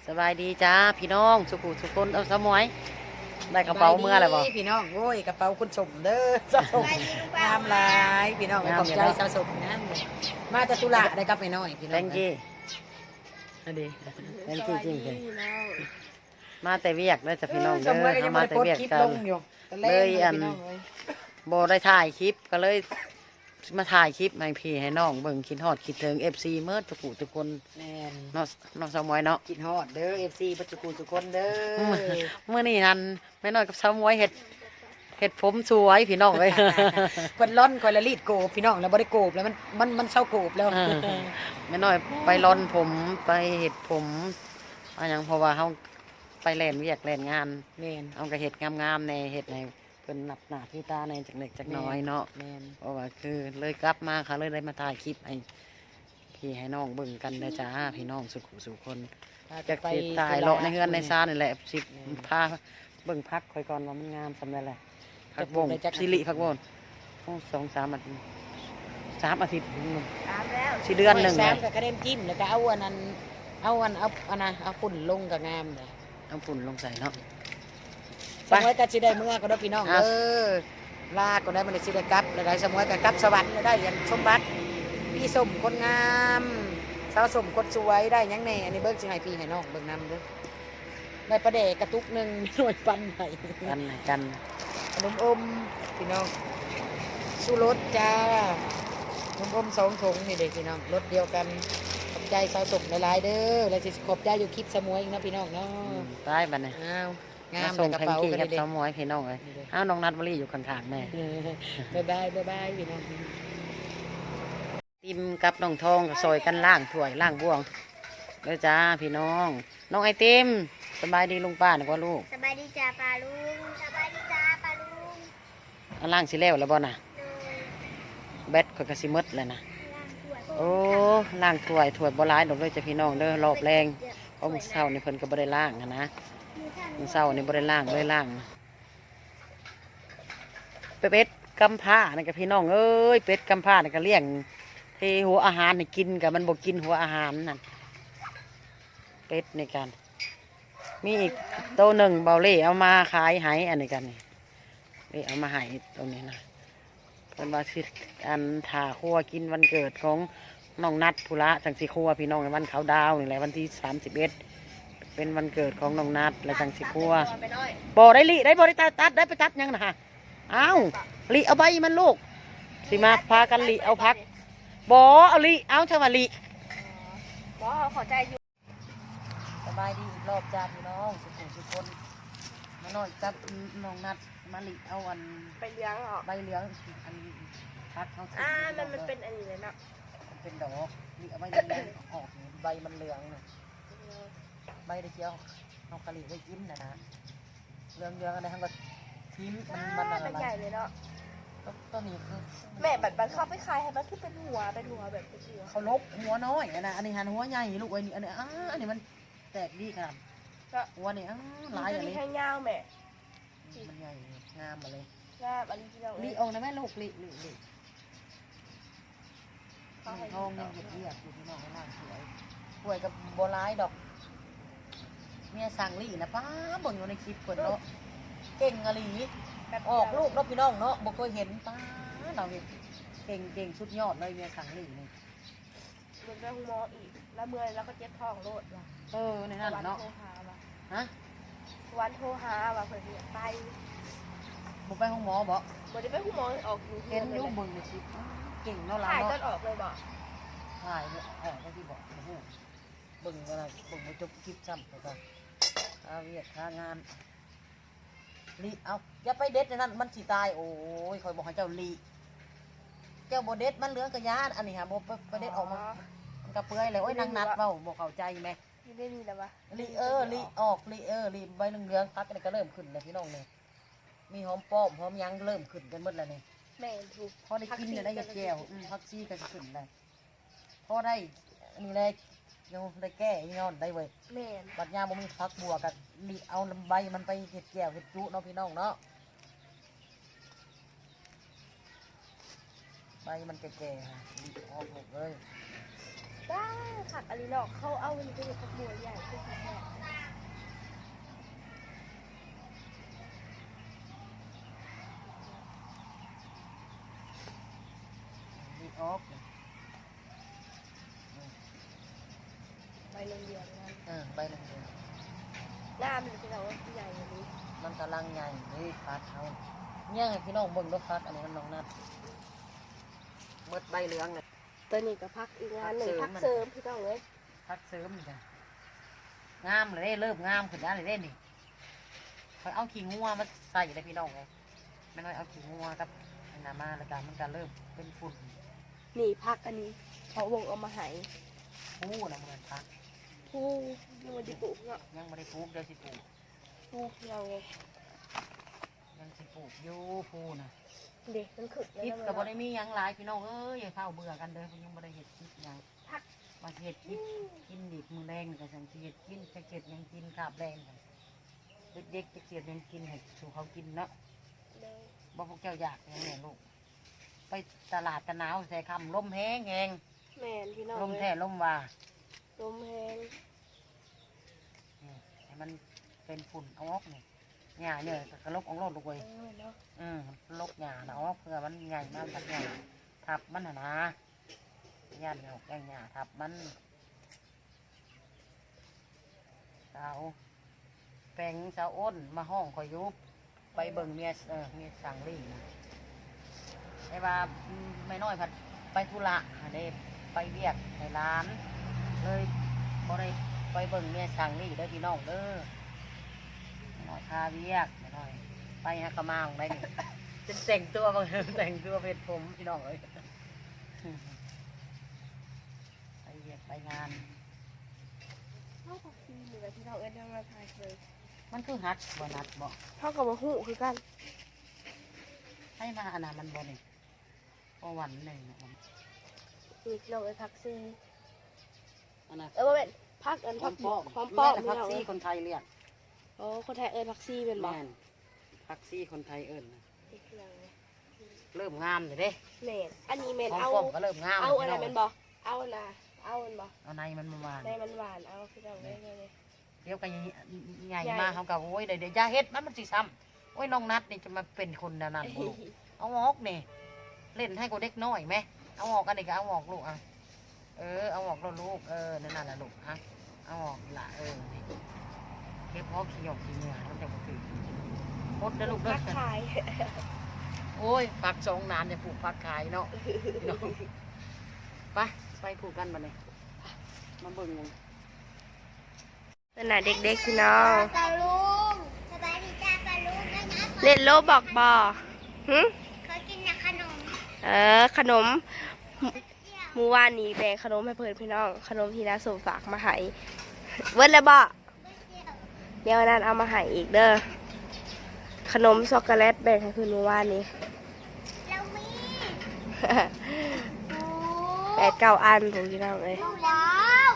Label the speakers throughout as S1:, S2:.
S1: สบายดีจ้าพี่น้องสุขุสุคนเอาสมอยได้กระเป๋าเมื่อไรบ่
S2: พี่น้องโอ้ยกระเป๋าคุณสมเด้อสาวสมงามหลายพี่น้องขอบใจสาวสมนะมาจากตุลาได้กลับไปน้อยพี่น้อง
S1: แตงกี้
S2: อันนี้
S1: แตงกี้จริงเลยมาแต่เวียกได้จากพี่น้อง
S2: ส
S1: เด้
S2: มมติก็
S1: อ
S2: ยัง
S1: มา
S2: ไม่ได้
S1: แต่
S2: โพส
S1: เวียก
S2: คลิป
S1: กั
S2: ล
S1: น
S2: งอยู่
S1: เลยอันบ่ได้ถ่ายคลิปก็เลยมาถ่ายคลิปให้พี่ให้น้องเบิ่งคิดฮอดคิดถึง FC เมื่อทุกผู้ทุกคน
S2: แม่น
S1: น้องสมอยเนาะ
S2: กินฮอดเด้อ FC ปัจจุบันทุกคนเด้อ
S1: เมื่อนี้นั่นแม่น้อยกับสมอยเฮ็ดผมสวยพี่น้องเลย
S2: คนร้อนคนละรีดโกบพี่น้องแล้วบ่ได้โกบแล้วมันเศร้าโกบแล้ว
S1: แม่น้อยไปร่อนผมไปเฮ็ดผมอะไรอย่างเพราะว่าเฮาไปแล่นเวียกแล่นงาน
S2: แม่น
S1: เอากระเห็ดงามๆในเห็ดในเพิ่นนับหน้าที่ตาในจากเล็กจากน้อยเนาะ
S2: แม่น
S1: เพราะว่าคือเลยกลับมาค่ะเลยได้มาถ่ายคลิปให้พี่ให้น้องเบิ่งกันนะจ้าพี่น้องสุขุสุคนจากสิตายเลาะในเฮือนในซ่านนี่แหละสิพาเบิ่งพักคอยก่อนว่ามันงามสำเร็จแหละพักวงสิริพักวงโอ้2-3 อาทิตย์3 อาทิตย์
S2: ตามแล้ว
S1: สิเดือนหนึ่ง
S2: แซ
S1: เลย
S2: มกับกระเด็นจิ้มแล้วก็เอาอันนั้นเอาปุ่นลงกับงามเลย
S1: เอาปุ่นลงใส่เนาะ
S2: สมัยก็สิได้เมื่อก็ได้พี่น้อง
S1: อ่ะ
S2: ลาก็ได้มันสิได้กลับแล้วได้สมัยก็กลับสวรรค์ได้ยันสมบัติพี่สมคนงามสาวสมคนสวยได้หยังแน่อันนี้เบิ่งสิให้พี่ให้น้องเบิ่งนำเด้อได้ประเดกกระตุกหนึง หน่วยปันให้
S1: กัน
S2: ขนมอมพี่น้องสู้รสจ้าขนมอม2 ถุงนี่เด็กพี่น้องรสเดียวกันขอบใจสาวสมหลายๆเด้อแล้วสิขอบใจอยู่คลิปสมวยอีกนะพี่น้องเนาะ
S1: ตายบัดนี้
S2: อ้าวงาม
S1: มาส่ง
S2: กระ
S1: แพง
S2: เป๋า
S1: กี้
S2: กัน
S1: กับ
S2: เด็ก
S1: สาวหมวยพี่น้องเลยอ้าวน้องนัดวลีอยู่ข้างๆแม่
S2: บ๊ายบายพี่น้อง
S1: ติมกับน้องทองก็ซอยกันล่างถ้วยล่างบ่วงเด้อจ้าพี่น้อง น้องไอติมสบายดีลุงป้านะพ่อลูก
S3: สบายดีจ้าปลาลุงสบายดีจ้าปลาลุง
S1: เอาล่างสิแล้วแล้วบ่น่ะ
S3: โดย
S1: แบตข่อยก็สิหมดแล้วนะ
S3: ล่างถ้วย
S1: โอ้ล่างถ้วยบ่หลายดอกเด้อจ้ะพี่น้องเด้อรอบแรงเพราะมื้อเช้านี่เพิ่นก็บ่ได้ล่างหั้นนะมื้อเช้านี่บ่ได้ล่างเลยล่างเป็ดกำพร้านี่ก็พี่น้องเอ้ยเป็ดกำพร้านี่ก็เลี้ยงเทหัวอาหารให้กินก็มันบ่กินหัวอาหารนั่นเป็ดในกันมีอีกโตวหนึ่งเบาเล่เอามาขายให้อันนี้กันนี่เล่เอามาให้ตรงนี้นะเป็นว่าสิอันถ่าครัวกินวันเกิดของน้องนัดภูระจังสิครัวพี่น้องในวันเขาดาวนี่แหละวันที่31เป็นวันเกิดของน้องนัดและจังสิครัวบ่ได้ลิได้บ่ได้ตัดได้ไปตัดยังนะฮะอ้าวลิเอาใบมันลูกสิมาพากันลิเอาพักบ่เอาลิเอาเท่าว่าลิ
S3: บอขอใจอยู่
S1: สบายดีอีกรอบจ้าพี่น้องสุขคนมาหน่อยกับน้องนัดมาลิเอาอัน
S3: ไปเลี้ยงเหรอ
S1: ใบเหลืองอันพักเขา
S3: มันเป็นอันนี้เลยเนาะ
S1: มันเป็นดอกลิเอาใบเหลืองออกนี่ใบมันเหลืองน่ะใบได้เจียวเอากะหรี่ไว้กินนะเหลืองอะไรทั้งก็ทิ้มมันอะไร
S3: มันใหญ่เลยเนาะ
S1: ต้นนี้คือ
S3: แม่บัดเข้าไปขายให้มันคือเป็นหัวแบบเป็นหัว
S1: เขาลบหัวน้อยนะอันนี้หันหัวใหญ่ลูกไอ้นี่อันนี้อันนี้มันแตกดีขนาดหัวนี่หลาย
S3: จะ
S1: อะไร
S3: มีให้ยาวแม่
S1: มันใหญ่งามมาเลย
S3: งามอันนี้ที่เรา
S1: ลีออกนะแม่ลูกลีทองยังเหยียดอยู่ที่น้องล่างสวยสวยกับโบราณดอกเมียสั่งลีนะป้าเบิ่งอยู่ในคลิปคนเนาะเก่งอะลีออกลูกเนาะพี่น้องเนาะบ่เคยเห็นป้าเราเห็นเก่งชุดยอดเลยเมียสั่งลีนี่
S3: มันเป็นหัวอีกแล้วเมื่อแล้วก็เจ็บท้องโลดว่ะ
S1: ในนั้นเนาะ
S3: โทรหาว่ะ
S1: ฮะ
S3: วันโทรหาว่ะเพื่อนไป
S1: บ่ไปห้องหมอบ่
S3: วันนี้ไปหูหมอออกอยู่
S1: เห็นอยู่เบิ่งในคลิปเก่งเนาะล่ะ
S3: ถ่ายต้
S1: เนาะ
S3: นออกเลยบอก
S1: ถ่ายเนี่ยได้ที่บอกโอ้โหเบิ่งอะไรเบิ่งมาจบคลิปซ้ำไปก่อนเวียดค่างานลีเอาอย่าไปเด็ดในนั้นมันสิตายโอ้ยคอยบอกให้เจ้าลีเจ้าโบเด็ดมันเหลืองกระยานอันนี้ฮะโบไปเด็ดออกมามันกระเปื่อยเลยโอ้ยนางนัดเบ้าบอกเข้าใจไหม
S3: ยังได้มีแล้ววะ
S1: ลีออกลีใบเหลืองพักกันก็เริ่มขึ้นเลยพี่น้องเนี่ยมีหอมป้อมหอมยังเริ่มขึ้นกันหมดแล้วเนี่ย
S3: แม่ถูก
S1: พอได้กินเนี่ยได้แก้วพักซี่กันขึ้นเลยพอได้อันนี้เลยยังได้แก้ย้อนได้เว้ย
S3: แม่
S1: บัดยาบ่มีพักบัวกันลีเอาใบมันไปเห็ดแก้วเห็ดจุเนาะพี่น้องเนาะใบมันแก่ๆฮะลีออกหมดเลย
S3: ได้ขัดอะไรหรอกเขาเอาอันนี้ไปอยู่กับบัวใหญ่ขึ้นแม่
S2: ออก
S3: ใบเหลืองๆนั่น
S2: ใบเหลือง
S3: หน้ามันเป็นเราว่าใหญ่กว่านี้
S2: ๆมันกำลังใหญ่เลยฟักเขาเนี่ยให้พี่น้องเบิ่งด้วยฟักอันนี้มันน้องนัดเบิดใบเหลืองเลย
S3: ตัวนี้ก็พักอีกงานหนึ่ง
S2: พั
S3: พั
S2: ก
S3: ก
S2: เสริ
S3: เสริ
S2: ม
S3: มพี่น้องเลย
S2: ฟักเสริมนี่จ้ะงามเลยเริ่มงามขึ้นแล้วเลยนี่คอยเอาขี้งัวมาใส่เลยพี่น้องเลยไม่น้อยเอาขี้งัวกับอันนามาแล้วกันมันก็เริ่มเป็นฝุ่น
S3: นี่พักอันนี้เขาวงเอามาใหาย
S2: ผู้นะเหมือนพัก
S3: ผู้ยังมาดิปลูกเนาะ
S2: ยังไม่ได้ปลูกเดี๋ยวสิปลูก
S3: ผู้เราไง
S2: ยังสิปลูกอยู่ผู้นะ
S3: เด็กมันขึ้น
S2: คลิป
S3: แล้ว
S2: กับบ่ได้มีหยังหลายพี่น้องเอ้ยอย่าเข้าเบื่อกันเด้อเพิ่นยังบ่ได้เฮ็ดคลิปหยัง
S3: พัก
S2: มาสิเฮ็ดคลิปกินอีกมื้อแรงก็จังสิเฮ็ดกินจักเฮ็ดหยังกินกาบแรงกันเด็กๆจักเฮ็ดหยังกินให้สู่เขากินเนาะ
S3: เลย
S2: บ่พวกเจ้าอยากหยังแน่ลูกไปตลาดตะหนาวใส่คำลมแห้งแหง
S3: แม่นพี่น้อง
S2: ลม
S3: เลย
S2: แท้ลมว่า
S3: ลมแห้ง
S2: นี่ให้มันเป็นฝุ่นเอาออกนี่หญ้าเนี่ยก็ลบออกโลดลูกเว้ย
S3: เนาะ
S2: ลกหญ้าน่ะออกเพื่อมันใหญ่มากทับหญ้าทับมันน่ะนะย่านเนี่ยแกงหญ้าทับมันสาวแปลงสาวอ้นมาห้องคอยยุบไปเบิ่งเมียเมียสั่งลี่นะไอ้ว่าไม่น้อยผัดไปธุระหาได้ไปเวียกในร้าน เลยบ่ได้ไปเบิ่งเมียสั่งลี่เด้อพี่น้องเด้อไม่น้อยพาเวียกไม่น้อยไปฮะกะมาของได้นี่ จะแต่งตัวบางแต่งตัวเพชรผมพี่น้องเลยไปเวียกไปงาน
S3: เท่ากับซีเหมือนที่เราเอ็นมาถ่ายเลย
S2: มันคือฮัดบ่นัดบ่
S3: เท่ากับว่าหูคือกัน
S2: ให้มาอันนั้นมันบ่นี่พอวันหนึ่งนะ
S3: นี่เราเอ็นพักซี
S2: อันนั้น
S3: ว่าเป็นพักอันพัก
S2: ป้อม
S3: พร้อมป้อม
S2: พั
S3: พี่
S2: ก
S3: น้อง
S2: ซี่
S3: เลย
S2: คนไทยเรียก
S3: โอ้คนไทยเอ็นพักซีเป็นบ่
S2: แม่นพักซี่คนไทยเอิ้นนะ
S3: พี่น้องเลย
S2: เริ่มงามเลยเด้
S3: แม่นอันนี้แม่น
S2: ของ
S3: เอา
S2: ป้อมก็เริ่มงาม
S3: เอาอะไร
S2: พี่
S3: เป็น
S2: ง
S3: บ่เอาอันน่ะเอาอันบ่
S2: เอาในมันมาหวาน
S3: ในมันหวานเอาพี่น้องเลยเลย
S2: เดี๋ยวก็ใหญ่มาเขาก็โอ้ยเดี๋ยวอย่าเฮ็ดมันสิซ้ำโอ้ยน้องนัดนี่จะมาเป็นคนนั่นบ่ลูก เอาออกนี่เล่นให้กูเด็กน้อยไหมเอาออกกันเด็กเอาออกลูกอ่ะเอาออกแล้วลูกนั่นน่ะลูกฮะเอาออกละนี่เก็บพอขี้หยอกขี้เหงื่อมันจะมาถึงพดนะลูกเด้
S3: พั
S2: อก
S3: ขาย
S2: โอ้ยปักสองนานจะปลูกปักขายเนาะพี่น้องไปปลูกกันมาเลยมาเบิ่งกัน
S3: เป็นน่ะเด็กๆพี่น้อง
S4: ปลาลุงสบายดีจ้าปลาลุงด้วยนะ
S3: เล่นโลบอกบ่หึ
S4: เขากินนะขนม
S3: ขนมเมื่อวานนี้แบ่งขนมให้เพื่อนพี่น้อง ขนมที่น้าสมฝากมาให้เวิร์ดแล้วบ่
S4: เดี๋ยว
S3: เดี๋ยวนั้นเอามาให้อีกเด้อ ขนมช็อกโกแลตแบ่งให้เพื่อนเมื่อวานนี้
S4: เรามี
S3: 8-9 อันผมพี่น้องเลย
S4: ว้าว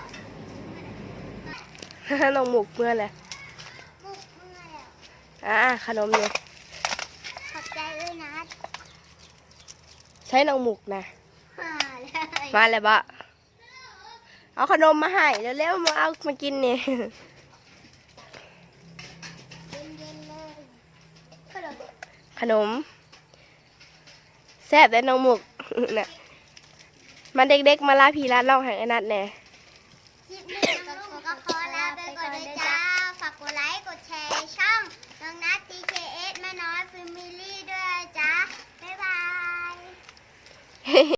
S3: น้องหมุกเมื่อเลย
S4: มุกเมื่อแล้ว
S3: ขนมเนี่ย
S4: ขอบใจด้วยนะ
S3: ใช้น้องหมุกนะ
S4: มาเลย
S3: มาเลยบ่เอาขนมมาให้เร็วๆมาเอามากินนี่
S4: เย็นๆเลยขนม
S3: ขนมแซ่บแต่น้องหมุก น่ะมันเด็กๆมาลาพี่ลาน้องให้ไอ้นัดแน่
S4: คลิปนี้น้องลุงก็ขอลาไปก่อนเลยจ้า ฝากกดไลค์ กดแชร์ช่องน้องนัท TKS แม่น้อย Family